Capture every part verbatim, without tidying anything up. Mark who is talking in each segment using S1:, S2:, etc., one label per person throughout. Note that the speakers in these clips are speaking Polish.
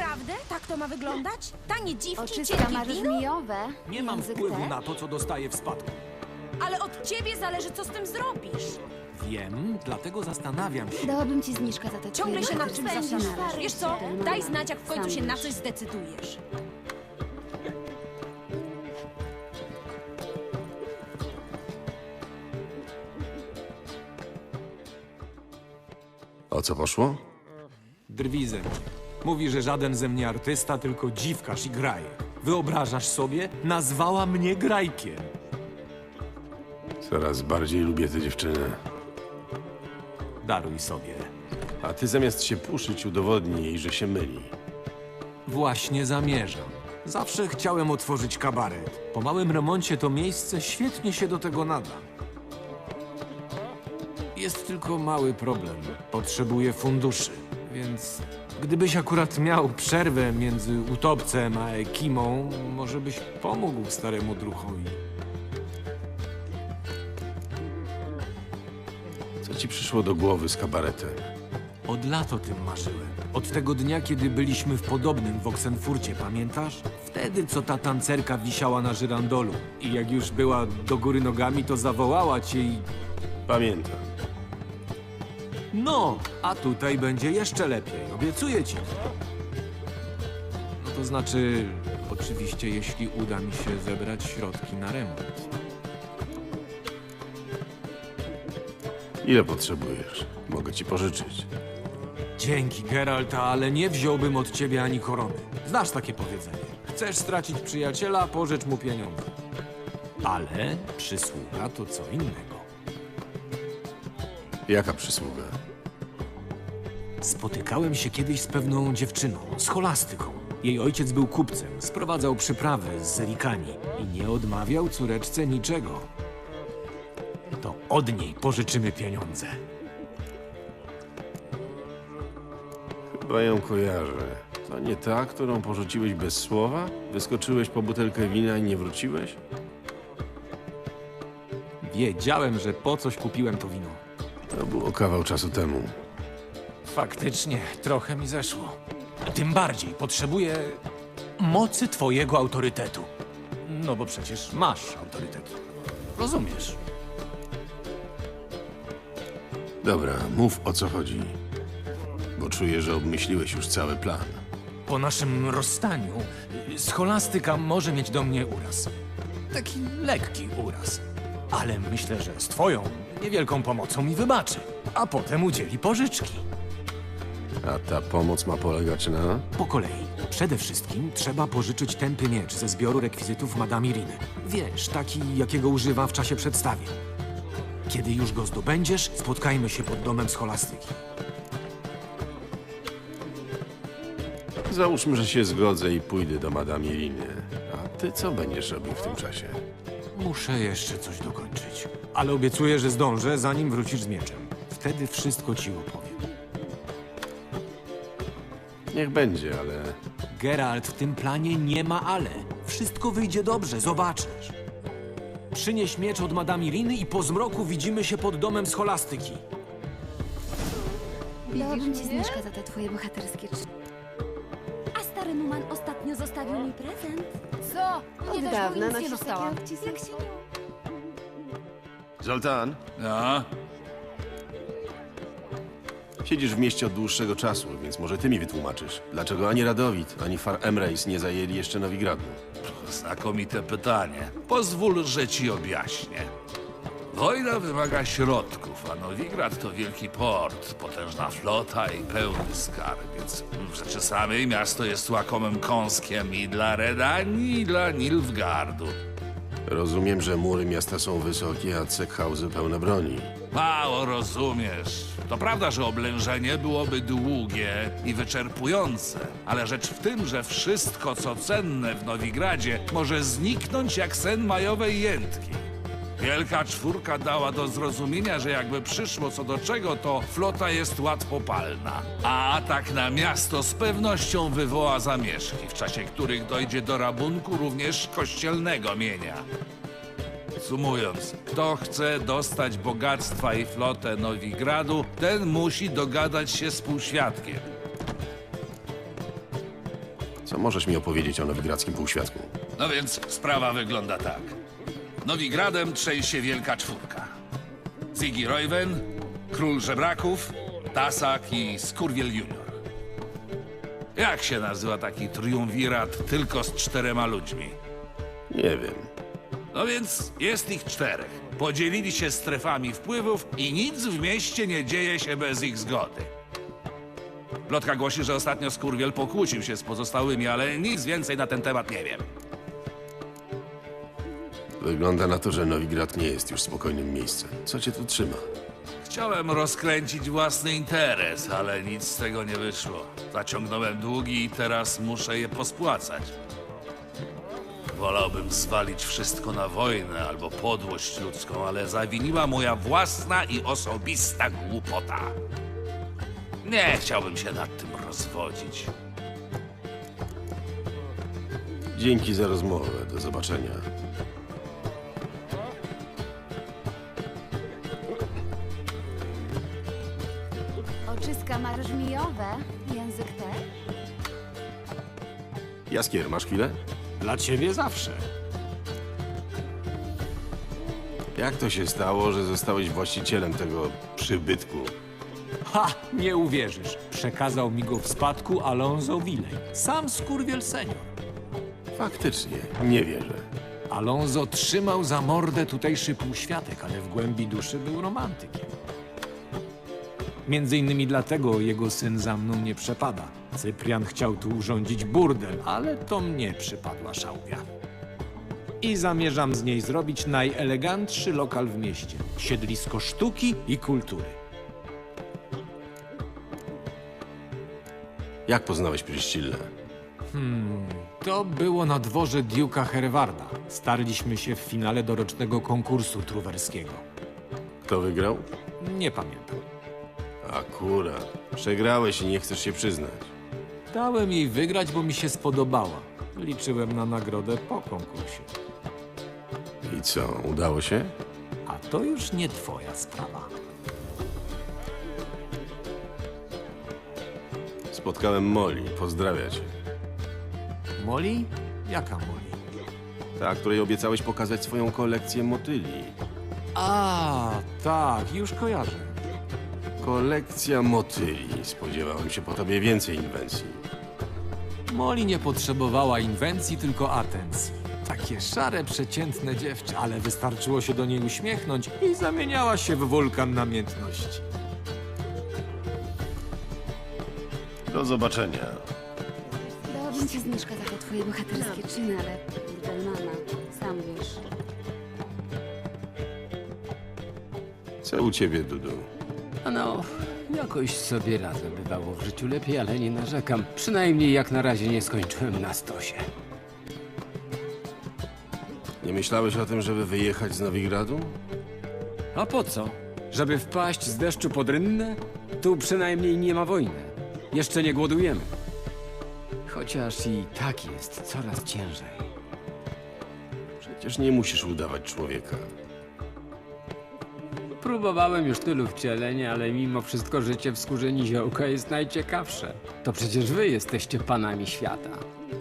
S1: Naprawdę? Tak to ma wyglądać? Tanie dziwki,
S2: Oczyska
S1: cierpi
S2: masz
S1: wino?
S2: żmijowe.
S3: Nie mam
S2: Język
S3: wpływu
S2: też?
S3: na to, co dostaję w spadku.
S1: Ale od ciebie zależy, co z tym zrobisz.
S3: Wiem, dlatego zastanawiam się.
S2: Dałabym ci zniżkę za te
S1: Ciągle się nad
S2: twoje
S1: tym
S2: zawsze
S1: spędzisz.
S2: należy
S1: Wiesz
S2: ci
S1: co?
S2: ten
S1: Daj
S2: moment.
S1: znać, jak w końcu
S2: Sam
S1: się na
S2: wiesz.
S1: coś zdecydujesz.
S4: O co poszło?
S3: Drwi ze mnie. Mówi, że żaden ze mnie artysta, tylko dziwkarz i graje. Wyobrażasz sobie? Nazwała mnie grajkiem.
S4: Coraz bardziej lubię tę dziewczynę.
S3: Daruj sobie.
S4: A ty zamiast się puszyć, udowodnij jej, że się myli.
S3: Właśnie zamierzam. Zawsze chciałem otworzyć kabaret. Po małym remoncie to miejsce świetnie się do tego nada. Jest tylko mały problem. Potrzebuję funduszy, więc gdybyś akurat miał przerwę między utopcem a Ekimą, może byś pomógł staremu druchowi.
S4: Co ci przyszło do głowy z kabaretem?
S3: Od lat o tym marzyłem. Od tego dnia, kiedy byliśmy w podobnym w Oksenfurcie, pamiętasz? Wtedy, co ta tancerka wisiała na żyrandolu. I jak już była do góry nogami, to zawołała cię i...
S4: Pamiętam.
S3: No, a tutaj będzie jeszcze lepiej, obiecuję ci. No to znaczy, oczywiście, jeśli uda mi się zebrać środki na remont.
S4: Ile potrzebujesz? Mogę ci pożyczyć.
S3: Dzięki, Geralt, ale nie wziąłbym od ciebie ani korony. Znasz takie powiedzenie. Chcesz stracić przyjaciela, pożycz mu pieniądze. Ale przysługa to co innego.
S4: Jaka przysługa?
S3: Spotykałem się kiedyś z pewną dziewczyną, z Scholastyką. Jej ojciec był kupcem, sprowadzał przyprawy z Zerikani i nie odmawiał córeczce niczego. To od niej pożyczymy pieniądze.
S4: Chyba ją kojarzę. To nie ta, którą porzuciłeś bez słowa? Wyskoczyłeś po butelkę wina i nie wróciłeś?
S3: Wiedziałem, że po coś kupiłem to wino.
S4: To było kawał czasu temu.
S3: Faktycznie, trochę mi zeszło. Tym bardziej potrzebuję mocy twojego autorytetu. No bo przecież masz autorytet. Rozumiesz?
S4: Dobra, mów o co chodzi. Bo czuję, że obmyśliłeś już cały plan.
S3: Po naszym rozstaniu scholastyka może mieć do mnie uraz. Taki lekki uraz. Ale myślę, że z twoją niewielką pomocą mi wybaczy. A potem udzieli pożyczki.
S4: A ta pomoc ma polegać na...
S3: Po kolei. Przede wszystkim trzeba pożyczyć tępy miecz ze zbioru rekwizytów Madame Iriny. Wiesz, taki, jakiego używa w czasie przedstawień. Kiedy już go zdobędziesz, spotkajmy się pod domem scholastyki.
S4: Załóżmy, że się zgodzę i pójdę do Madame Iriny. A ty co będziesz robił w tym czasie?
S3: Muszę jeszcze coś dokończyć. Ale obiecuję, że zdążę, zanim wrócisz z mieczem. Wtedy wszystko ci opowiem.
S4: Niech będzie, ale...
S3: Geralt, w tym planie nie ma ale. Wszystko wyjdzie dobrze, zobaczysz. Przynieś miecz od Madame Iriny i po zmroku widzimy się pod domem scholastyki.
S2: Dałabym ci zniżkę za te twoje bohaterskie cz-
S1: A stary Numan ostatnio zostawił mi prezent.
S2: Co?
S1: Mnie
S2: Od
S1: też
S2: dawna
S1: nic
S2: na
S1: nie
S2: coś
S1: dostałam.
S2: takiego
S1: Jak się nie...
S4: Zoltan,
S5: No,
S4: siedzisz w mieście od dłuższego czasu, więc może ty mi wytłumaczysz, dlaczego ani Radowid, ani Far Emreis nie zajęli jeszcze Nowigradu.
S5: znakomite pytanie. Pozwól, że ci objaśnię. Wojna wymaga środków, a Nowigrad to wielki port, potężna flota i pełny skarbiec. W rzeczy samej miasto jest łakomym kąskiem i dla Redanii, i dla Nilfgaardu.
S4: Rozumiem, że mury miasta są wysokie, a cechauzy pełne broni.
S5: Mało rozumiesz. To prawda, że oblężenie byłoby długie i wyczerpujące, ale rzecz w tym, że wszystko, co cenne w Nowigradzie, może zniknąć jak sen majowej jętki. Wielka Czwórka dała do zrozumienia, że jakby przyszło co do czego, to flota jest łatwopalna. A atak na miasto z pewnością wywoła zamieszki, w czasie których dojdzie do rabunku również kościelnego mienia. Sumując, kto chce dostać bogactwa i flotę Nowigradu, ten musi dogadać się z półświadkiem.
S4: Co możesz mi opowiedzieć o nowigradzkim półświadku?
S5: No więc sprawa wygląda tak. Nowigradem trzęsie wielka czwórka. Ziggy Royven, Król Żebraków, Tasak i Skurwiel Junior. Jak się nazywa taki triumvirat tylko z czterema ludźmi?
S4: Nie wiem.
S5: No więc jest ich czterech. Podzielili się strefami wpływów i nic w mieście nie dzieje się bez ich zgody. Plotka głosi, że ostatnio Skurwiel pokłócił się z pozostałymi, ale nic więcej na ten temat nie wiem.
S4: Wygląda na to, że Nowigrad nie jest już spokojnym miejscem. Co cię tu trzyma?
S5: Chciałem rozkręcić własny interes, ale nic z tego nie wyszło. Zaciągnąłem długi i teraz muszę je pospłacać. Wolałbym zwalić wszystko na wojnę albo podłość ludzką, ale zawiniła moja własna i osobista głupota. Nie chciałbym się nad tym rozwodzić.
S4: Dzięki za rozmowę. Do zobaczenia.
S2: Oczyska masz żmijowe, język też?
S4: Jaskier, masz chwilę?
S3: Dla ciebie zawsze.
S4: Jak to się stało, że zostałeś właścicielem tego przybytku?
S3: Ha! Nie uwierzysz. Przekazał mi go w spadku Alonso Willey. Sam Skurwiel senior.
S4: Faktycznie, nie wierzę.
S3: Alonso trzymał za mordę tutejszy półświatek, ale w głębi duszy był romantykiem. Między innymi dlatego jego syn za mną nie przepada. Cyprian chciał tu urządzić burdel, ale to mnie przypadła szałwia. I zamierzam z niej zrobić najelegantszy lokal w mieście. Siedlisko sztuki i kultury.
S4: Jak poznałeś Pryszcillę?
S3: To było na dworze Duke'a Herwarda. Starliśmy się w finale dorocznego konkursu truwerskiego.
S4: Kto wygrał?
S3: Nie pamiętam.
S4: Akurat. Przegrałeś i nie chcesz się przyznać.
S3: Dałem jej wygrać, bo mi się spodobała. Liczyłem na nagrodę po konkursie.
S4: I co, udało się?
S3: A to już nie twoja sprawa.
S4: Spotkałem Molly. Pozdrawia cię.
S3: Molly? Jaka Molly?
S4: Ta, której obiecałeś pokazać swoją kolekcję motyli.
S3: A, tak, już kojarzę.
S4: Kolekcja motyli. Spodziewałem się po tobie więcej inwencji.
S3: Molly nie potrzebowała inwencji, tylko atencji. Takie szare, przeciętne dziewczę, ale wystarczyło się do niej uśmiechnąć i zamieniała się w wulkan namiętności.
S4: Do zobaczenia.
S2: Dałabym ci zniżkę za te twoje bohaterskie czyny, ale Burdelmana, sam wiesz.
S4: Co u ciebie, Dudu?
S6: No, jakoś sobie radzę. Bywało w życiu lepiej, ale nie narzekam. Przynajmniej jak na razie nie skończyłem na stosie.
S4: Nie myślałeś o tym, żeby wyjechać z Nowigradu?
S6: A po co? Żeby wpaść z deszczu pod rynnę? Tu przynajmniej nie ma wojny. Jeszcze nie głodujemy. Chociaż i tak jest coraz ciężej.
S4: Przecież nie musisz udawać człowieka.
S6: Próbowałem już tylu wcieleń, ale mimo wszystko życie w skórze niziołka jest najciekawsze. To przecież wy jesteście panami świata.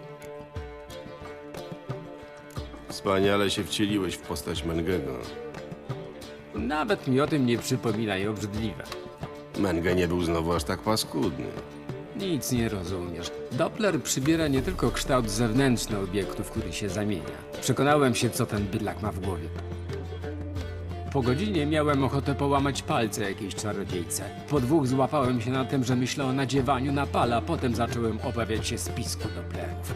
S4: Wspaniale się wcieliłeś w postać Mengego.
S6: Nawet mi o tym nie przypominaj, obrzydliwe.
S4: Menge nie był znowu aż tak paskudny.
S6: Nic nie rozumiesz. Doppler przybiera nie tylko kształt zewnętrzny obiektu, w który się zamienia. Przekonałem się, co ten bydlak ma w głowie. Po godzinie miałem ochotę połamać palce jakiejś czarodziejce. Po dwóch złapałem się na tym, że myślę o nadziewaniu na pala, potem zacząłem obawiać się spisku Dopplerów.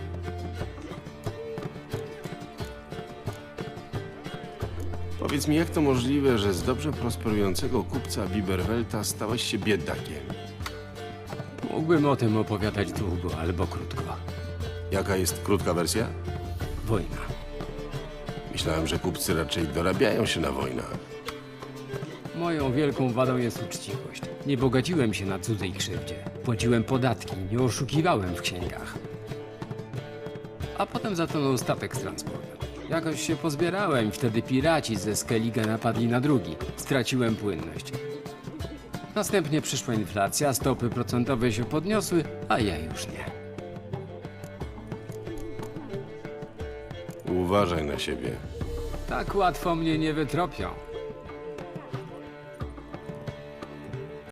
S4: Powiedz mi, jak to możliwe, że z dobrze prosperującego kupca Biberwelta stałeś się biedakiem?
S6: Mógłbym o tym opowiadać długo albo krótko.
S4: Jaka jest krótka wersja?
S6: Wojna.
S4: Myślałem, że kupcy raczej dorabiają się na wojnach.
S6: Moją wielką wadą jest uczciwość. Nie bogaciłem się na cudzej krzywdzie. Płaciłem podatki, nie oszukiwałem w księgach. A potem zatonął statek z transportem. Jakoś się pozbierałem i wtedy piraci ze Skellige napadli na drugi. Straciłem płynność. Następnie przyszła inflacja, stopy procentowe się podniosły, a ja już nie.
S4: Uważaj na siebie.
S6: Tak łatwo mnie nie wytropią.